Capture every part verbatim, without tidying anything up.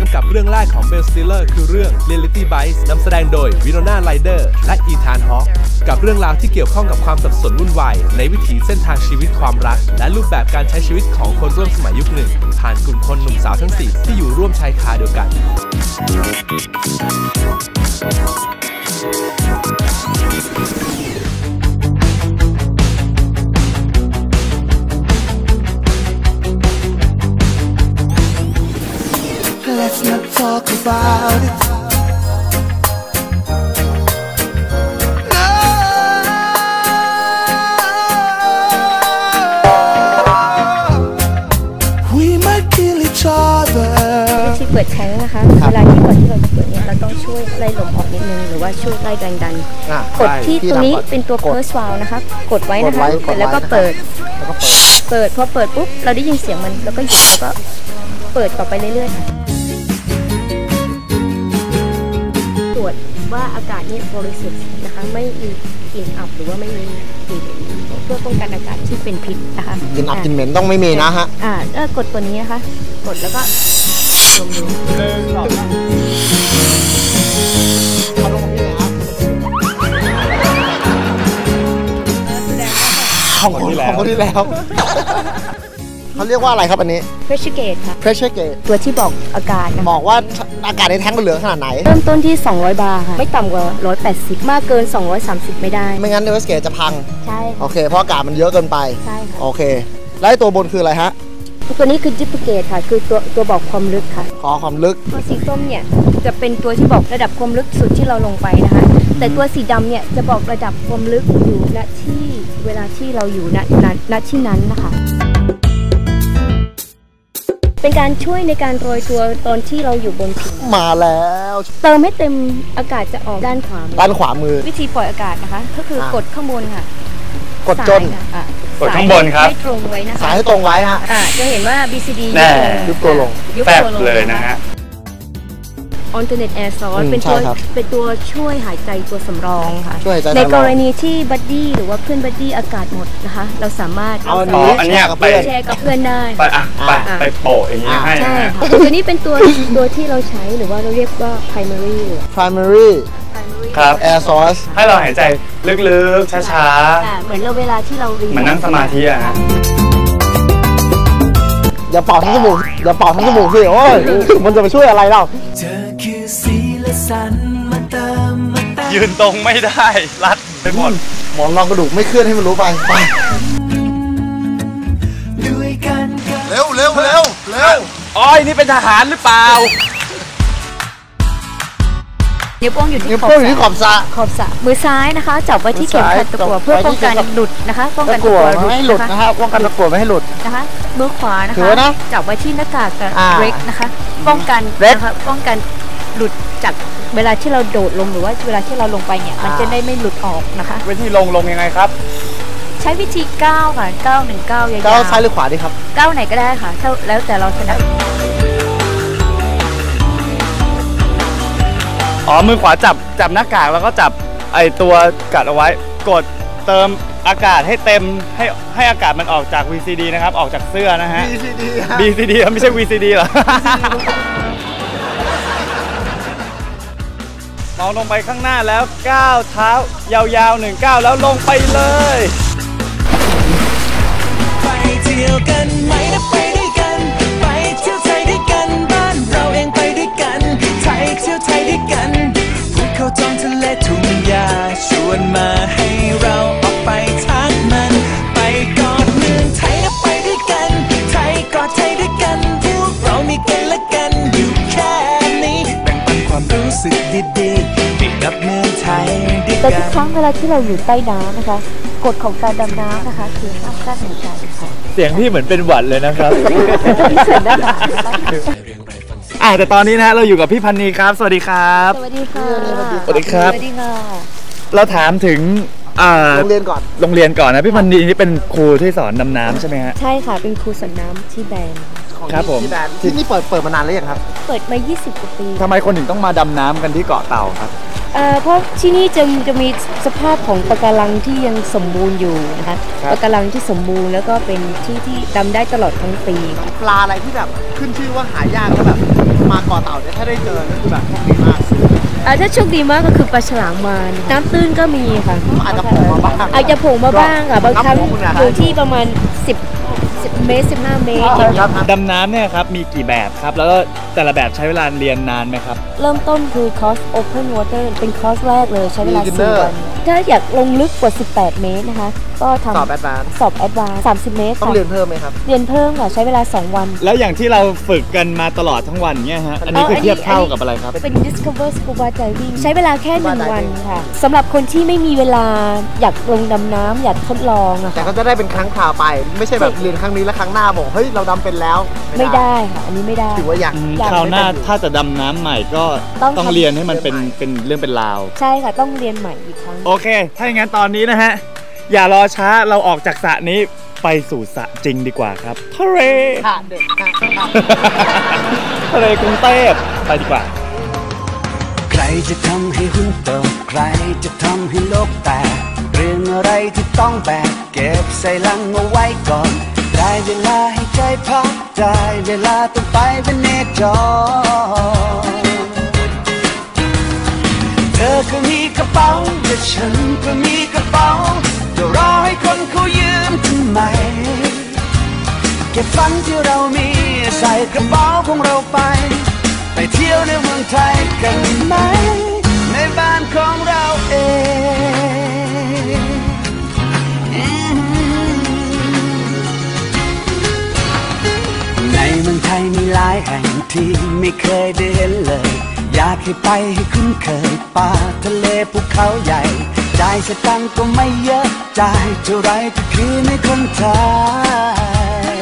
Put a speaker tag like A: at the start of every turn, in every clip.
A: กับเรื่องแรกของเบล สติลเลอร์คือเรื่อง Reality Bites นำแสดงโดยวิโนนาไรเดอร์และอีธานฮอคกับเรื่องราวที่เกี่ยวข้องกับความสับสนวุ่นวายในวิถีเส้นทางชีวิตความรักและรูปแบบการใช้ชีวิตของคนร่วมสมัยยุคหนึ่งผ่านกลุ่มคนหนุ่มสาวทั้งสี่ที่อยู่ร่วมชายคาเดียวกัน
B: Let's not talk about it. No. We might kill each other.
C: วิธีเปิดแท้งนะคะเวลาที่ก่อนที่เราจะเปิดเนี่ยเราต้องช่วยไล่ลมออกนิดนึงหรือว่าช่วยไล่แรงดันกดที่ตรงนี้เป็นตัว first valve นะคะกดไว้นะคะแล้วก็เปิดเปิดพอเปิดปุ๊บเราได้ยินเสียงมันแล้วก็หยุดแล้วก็เปิดต่อไปเรื่อยๆค่ะตรวจว่าอากาศนี่บริสุทธิ์นะคะไม่มีกลิ่นอับหรือว่าไม่มีกลิ่นเพื่อป้องกันอากาศที่เป็นพิษนะคะ
D: กลิ่นอับกลิ่นเหม็นต้องไม่มีนะฮะ
C: อ่าแล้วกดตัวนี้นะคะกดแล้วก็ลงดู
D: ของคนที่แล้วของคนที่แล้วเขาเรียกว่าอะไรครับอันนี้
C: pressure gauge ค่ะ
D: pressure gauge
C: ตัวที่บอกอากาศ
D: บอกว่าอากาศในแท้งมันเหลือขนาดไหน
C: เริ่มต้นที่สองร้อยบาร์ค่ะไม่ต่ำกว่าหนึ่งร้อยแปดสิบมากเกินสองร้อยสามสิบไม่ได้
D: ไม่งั้น pressure gauge จะพัง
C: ใช่
D: โอเคเพราะอากาศมันเยอะเกินไป
C: ใช่ค่ะ
D: โอเคแล้วตัวบนคืออะไรฮะ
C: ตัวนี้คือ depth gauge ค่ะคือตัวตัวบอกความลึกค่ะ
D: ขอความลึก
C: ตัวสีส้มเนี่ยจะเป็นตัวที่บอกระดับความลึกสุดที่เราลงไปนะคะแต่ตัวสีดำเนี่ยจะบอกระดับความลึกอยู่ณที่เวลาที่เราอยู่ณนั้นณที่นั้นนะคะเป็นการช่วยในการโรยตัวตอนที่เราอยู่บนผิว
D: มาแล้ว
C: เติมให้เต็มอากาศจะออกด้านขวา
D: ด้านขวามือ
C: วิธีปล่อยอากาศนะคะก็คือกดข้างบนค่ะ
D: กดจน
E: กดข้างบนครับ
C: ให้ตรงไว้นะคะ
D: สายให้ตรงไว้ฮะ
C: จะเห็นว่า บี ซี ดี
D: ยุบตัวลง
E: แฟบเลยนะฮะ
C: alternate air source เป็นตัวเป็นตัวช่วยหายใจตัวสำรองค่ะ
D: ใน
C: กรณีที่บัดดี้หรือว่าเพื่อนบัดดี้อากาศหมดนะคะเราสามารถ
D: เอาอันนี้
E: ไป
C: แชร์กับเพื่อนได้
E: ไปอ่ะไปไปโปะอย่างนี้ให้
C: ใช่ค่ะตัวนี้เป็นตัวตัวที่เราใช้หรือว่าเราเรียกว่า primary
D: primary
E: ครับ
D: air source
E: ให้เราหายใจลึกๆช้า
C: ๆเหมือนเราเวลาที่เราเรียน
E: เหมือนนั่งสมาธิอ่ะ
D: อย่าเป่าทั้งจมูกอย่าเป่าทั้งจมูกสิโอ้ยมันจะไปช่วยอะไรเรา
E: ยืนตรงไม่ได้รัดไปหมด
D: หมอนรองกระดูกไม่เคลื่อนให้มันรู้ไปไปเร็วเร็วเร็วเร็ว
E: อ้อยนี่เป็นทหารหรือเปล่า
C: นิ้วโป้งอยู่ที่ข
D: อบสระ
C: ขอบสระมือซ้ายนะคะจับไว้ที่เข็มขัดตะกั่วเพื่อป้องกันหลุดนะคะป้องกันตะกั่ว
D: ไม่ให้หลุดนะคะป้องกันตะกั่วไม่ให้หลุด
C: นะคะมือขวานะคะจับไว้ที่หน้ากากกับเบรกนะคะป้องกันนะคะป้องกันหลุดจากเวลาที่เราโดดลงหรือว่าเวลาที่เราลงไปเนี่ยมันจะได้ไม่หลุดออกนะคะ
E: วิธีลงลงยังไงครับ
C: ใช้วิธีก้าวค่ะก้าวหนึ่งก้าวยาวๆ
D: ก้าวซ้ายหรือขวาดีครับ
C: ก้าวไหนก็ได้ค่ะเท่าแล้วแต่เราถนัด
E: อ๋อมือขวาจับจับหน้ากากแล้วก็จับไอตัวกัดเอาไว้กดเติมอากาศให้เต็มให้ให้อากาศมันออกจาก วี ซี ดี นะครับออกจากเสื้อนะฮะ
D: บี ซี ดี
E: บี ซี ดี ไม่ใช่ วี ซี ดี หรอมองลงไปข้างหน้าแล้วก้าวเท้ายาวๆหนึ่งก้าวแล้วลงไปเลย
B: ไปเที่ยวกันไหมนะไปด้วยกันไปเที่ยวไทยด้วยกันบ้านเราเองไปด้วยกันไทยเที่ยวไทยด้วยกันภูเขาท้องทะเลทุ่งหญ้าชวนมาให้เราออกไปทักมันไปกอดเมืองไทยนะไปด้วยกันไทยกอดไทยด้วยกันพวกเรามีกันและกันอยู่แค่นี้แบ่งปันความรู้สึกดีๆไปกับเมืองไทยด้วยกัน
C: แต่ทุกครั้งเวลาที่เราอยู่ใต้น้ำนะคะกฎของการดำน้ำนะคะคือห้ามกั้นหายใจ
E: เสียงพี่เหมือนเป็นหวัดเลยนะครับอ่าแต่ตอนนี้นะเราอยู่กับพี่พันนีครับสวัสดีครับ
C: สวัสดีค่ะ
E: สวัสดีครับ
C: สวัสดีค่ะ
E: เราถามถึง
D: โรงเรียนก่อน
E: โรงเรียนก่อนนะพี่พันนีนี่เป็นครูที่สอนดำน้ำใช่ไหมฮะ
C: ใช่ค่ะเป็นครูสอนน้ำที่แบน
E: ครับผม
D: ที่นี่เปิดเปิดมานานแล้วยังครับ
C: เปิดมายี่สิบกว่าปี
E: ทำไมคนถึงต้องมาดำน้ำกันที่เกาะเต่าครับ
C: เพราะที่นี่จะจะมีสภาพของปะการังที่ยังสมบูรณ์อยู่นะคะปะการังที่สมบูรณ์แล้วก็เป็นที่ที่ดำได้ตลอดทั้งปี
D: ปลาอะไรที่แบบขึ้นชื่อว่าหายากแล้วแบบมาเกาะเต่าได้เจอก็คือแบบดีมาก
C: อ่าถ้าโชคดีมากก็คือปลาฉลามวาฬน้ำตื้นก็มีค่ะ
D: อาจจะโผล่มาบ้าง
C: อาจจะโผล่มาบ้างอ่ะบางครั้งอยู่ที่ประมาณสิบ สิบเมตรสิบห้าเมตร
E: ดำน้ำเนี่ยครับมีกี่แบบครับแล้วแต่ละแบบใช้เวลาเรียนนานไหมครับ
C: เริ่มต้นคือคอร์ส Open Water เป็นคอร์สแรกเลยใช้เวลาสี่วันถ้าอยากลงลึกกว่าสิบแปดเมตรนะคะก็ทำ
D: สอบแอดวานซ์
C: สอบแอดวานซ์สามสิบเมตร
D: ต้องเรียนเพิ่มไหมครับ
C: เรียนเพิ่มค่ะใช้เวลาสองวัน
E: แล้วอย่างที่เราฝึกกันมาตลอดทั้งวันเนี่ยฮะอันนี้คือเทียบเท่ากับอะไรครับ
C: เป็น Discover Scuba Diving ใช้เวลาแค่หนึ่งวันค่ะสำหรับคนที่ไม่มีเวลาอยากลงดำน้ำอยากทดลองอะ
D: แต่ก็จะได้เป็นครั้งคราวไปไม่ใช่แบบเรียนครั้งนี้แล้วครั้งหน้าบอกเฮ้ยเราดำเป็นแล้ว
C: ไม่ได้ค่ะอันนี้ไม่ได้
D: ถือว่าอยาก
E: คราวหน้าถ้าจะดำน้ำใหม่ก็ต้องเรียนให้มันเป็นเป็นเรื่องเป็นราว
C: ใช่ค่ะต้องเรียนใหม่อีกครั้ง
E: โอเคถ้าอย่างนั้นตอนนี้นะฮะอย่ารอช้าเราออกจากสระนี้ไปสู่สระจริงดีกว่าครับทะเลทะเลกรุงเทพไปดีกว่า
B: ใครจะทำให้หุ้นตกใครจะทำให้โลกแตกเรื่องอะไรที่ต้องแบกเก็บใส่ลังเอาไว้ก่อนได้เวลาให้ใจพักได้เวลาต้องไปเป็นเนจรเธอก็มีกระเป๋าแต่ฉันก็มีกระเป๋าจะรอให้คนเขายืมทำไมเก็บฝันที่เรามีใส่กระเป๋าของเราไปไปเที่ยวในเมืองไทยกันไหมในบ้านของเราเองในเมืองไทยมีหลายแห่งที่ไม่เคยได้เห็นเลยอยากให้ไปให้คุ้นเคยป่าทะเลภูเขาใหญ่จ่ายสตังค์ก็ไม่เยอะจ่ายเท่าไรก็คือในคนไทย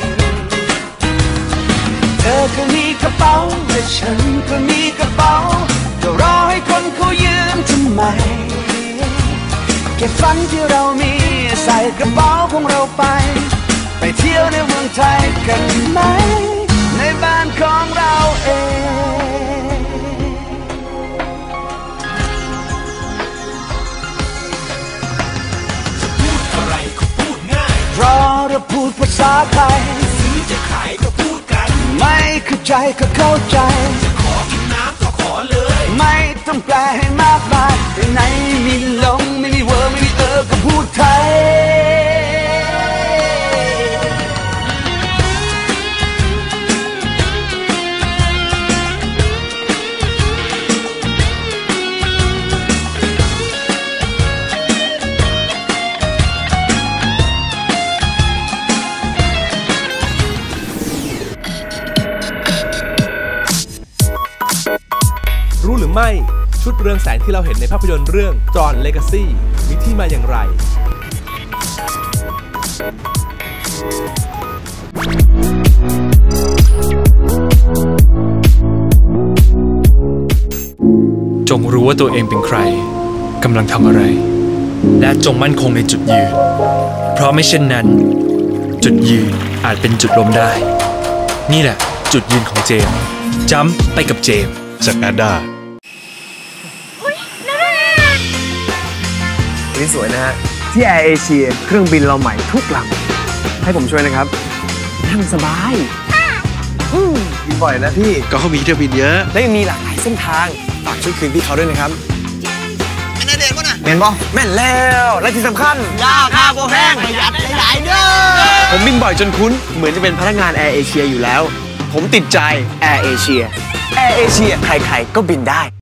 B: เธอก็มีกระเป๋าแต่ฉันก็มีกระเป๋าจะรอให้คนเขายืมทำไมเก็บฝันที่เรามีใส่กระเป๋าของเราไปไปเที่ยวในเมืองไทยกันไหมในบ้านของเราเองเพราะเราพูดภาษาไทยซื้อจะขายก็พูดกันไม่เข้าใจก็เข้าใจจะขอกินน้ำก็ขอเลยไม่ต้องแปลให้มากมายในไหนมีลงไม่มีเวอร์ไม่มีเออก็พูดไทย
A: รู้หรือไม่ชุดเรืองแสงที่เราเห็นในภาพยนตร์เรื่อง Tron Legacy มีที่มาอย่างไร
F: จงรู้ว่าตัวเองเป็นใครกำลังทำอะไรและจงมั่นคงในจุดยืนเพราะไม่เช่นนั้นจุดยืนอาจเป็นจุดล้มได้นี่แหละจุดยืนของเจมส์จัมป์ไปกับเจมส์จากแอดด้า
G: นี่สวยนะฮะที่แอร์เอเชียเครื่องบินเราใหม่ทุกลำให้ผมช่วยนะครับนั่งสบายบินบ่อยนะพี่
F: ก็เขามีเที่ยวบินเยอะ
G: และยังมีหลากหลายเส้นทางฝากช่วยคืนพี่เขาด้วยนะครับ
D: แม่นเด่นป่ะนะ
G: แม่นป่ะแม่นแล้วและที่สำคัญ
D: ยาค่าโบแพงประหยัดหลายๆเด้อ
G: ผมบินบ่อยจนคุ้นเหมือนจะเป็นพนักงานแอร์เอเชียอยู่แล้วผมติดใจแอร์เอเชียแอร์เอเชียใครๆก็บินได้